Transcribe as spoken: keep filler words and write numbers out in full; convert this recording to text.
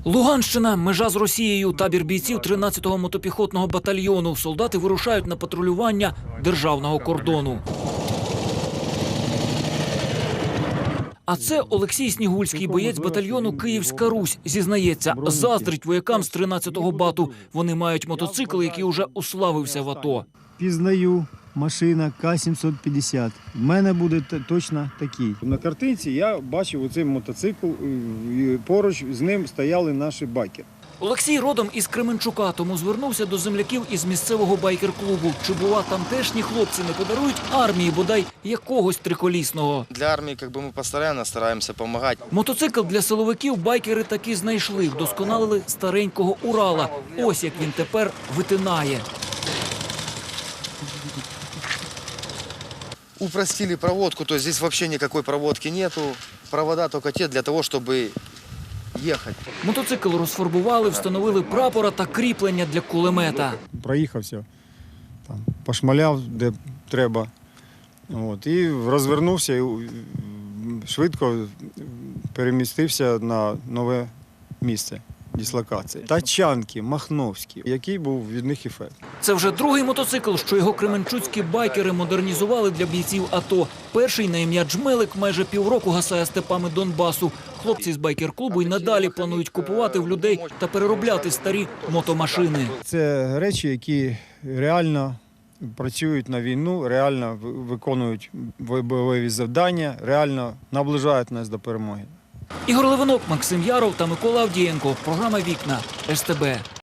Луганщина – межа з Росією, табір бійців тринадцятого мотопіхотного батальйону. Солдати вирушають на патрулювання державного кордону. А це Олексій Снігульський, боєць батальйону «Київська Русь». Зізнається, заздрить воякам з тринадцятого бату. Вони мають мотоцикл, який уже уславився в АТО. Пізнаю, машина К сімсот п'ятдесят. В мене буде точно такий. На картинці я бачив оцей мотоцикл, і поруч з ним стояли наші байкери. Олексій родом із Кременчука, тому звернувся до земляків із місцевого байкер-клубу. Чи, бува, тамтешні хлопці не подарують армії, бодай, якогось триколісного? Для армії как бы, ми постійно стараємося допомагати. Мотоцикл для силовиків байкери таки знайшли. Вдосконалили старенького Урала. Ось як він тепер витинає. Упростили проводку, то есть здесь вообще никакой проводки нету. Провода только те для того, чтобы ехать. Мотоцикл розфарбували, встановили прапора та кріплення для кулемета. Проїхався, там, пошмаляв, де треба. От, і розвернувся і швидко перемістився на нове місце дислокації. Тачанки, Махновські. Який був від них ефект? Це вже другий мотоцикл, що його кременчуцькі байкери модернізували для бійців АТО. Перший на ім'я Джмелик майже півроку гасає степами Донбасу. Хлопці з байкер-клубу й надалі планують купувати в людей та переробляти старі мотомашини. Це речі, які реально працюють на війну, реально виконують бойові завдання, реально наближають нас до перемоги. Ігор Левинок, Максим Яров та Микола Авдієнко. Програма «Вікна» ес те бе.